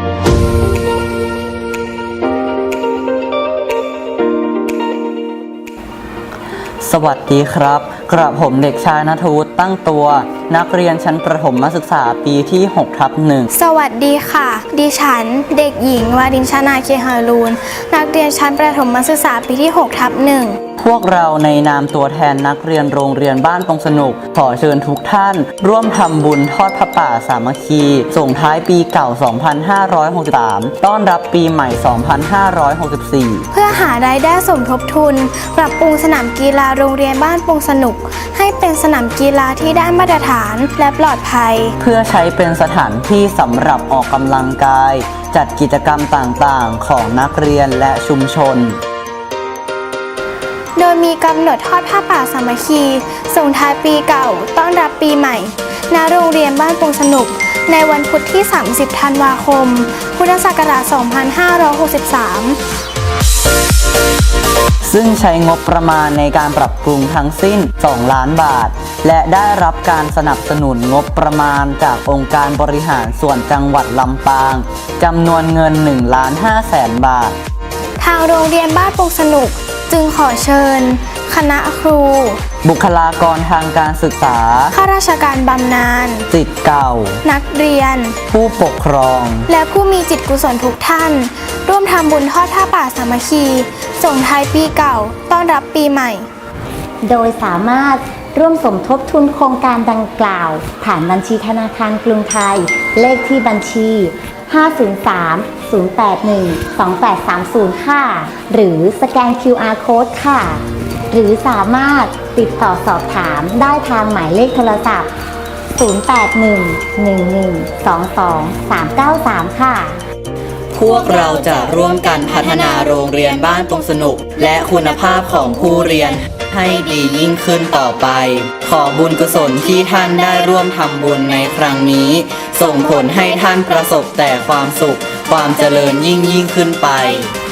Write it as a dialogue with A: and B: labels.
A: สวัสดีครับกระผมเด็กชายณัฐวุฒิตั้งตัวนักเรียนชั้นประถมศึกษาปีที่6/1
B: สวัสดีค่ะดิฉันเด็กหญิงวารินชนาเคหารูนนักเรียนชั้นประถมศึกษาปีที่6/1
A: พวกเราในนามตัวแทนนักเรียนโรงเรียนบ้านปงสนุกขอเชิญทุกท่านร่วมทำบุญทอดพระป่าสามัคคีส่งท้ายปีเก่า 2563 ต้อนรับปีใหม่ 2564
B: เพื่อหารายได้สมทบทุนปรับปรุงสนามกีฬาโรงเรียนบ้านปงสนุกให้เป็นสนามกีฬาที่ได้มาตรฐานและปลอดภัย
A: เพื่อใช้เป็นสถานที่สำหรับออกกำลังกายจัดกิจกรรมต่างๆของนักเรียนและชุมชน
B: โดยมีกำหนดทอดผ้าป่าสามัคคีส่งท้ายปีเก่าต้อนรับปีใหม่ณโรงเรียนบ้านปงสนุกในวันพุธที่ 30 ธันวาคม พุทธศักราช 2563
A: ซึ่งใช้งบประมาณในการปรับปรุงทั้งสิ้น 2 ล้านบาท และได้รับการสนับสนุนงบประมาณจากองค์การบริหารส่วนจังหวัดลำปางจำนวนเงิน 1,500,000 บาท
B: ทางโรงเรียนบ้านปงสนุกจึงขอเชิญคณะครู
A: บุคลากรทางการศึกษา
B: ข้าราชการบำนาญ
A: ศิษย์เก่า
B: นักเรียน
A: ผู้ปกครอง
B: และผู้มีจิตกุศลทุกท่านร่วมทำบุญทอดผ้าป่าสามัคคีส่งท้ายปีเก่าต้อนรับปีใหม่
C: โดยสามารถร่วมสมทบทุนโครงการดังกล่าวผ่านบัญชีธนาคารกรุงไทยเลขที่บัญชี503-081-2830 ค่ะหรือสแกน QR Code ค่ะหรือสามารถติดต่อสอบถามได้ทางหมายเลขโทรศัพท์0811122393ค่ะ
A: พวกเราจะร่วมกันพัฒนาโรงเรียนบ้านปงสนุกและคุณภาพของผู้เรียนให้ดียิ่งขึ้นต่อไปขอบุญกุศลที่ท่านได้ร่วมทำบุญในครั้งนี้ส่งผลให้ท่านประสบแต่ความสุขความเจริญยิ่งขึ้นไป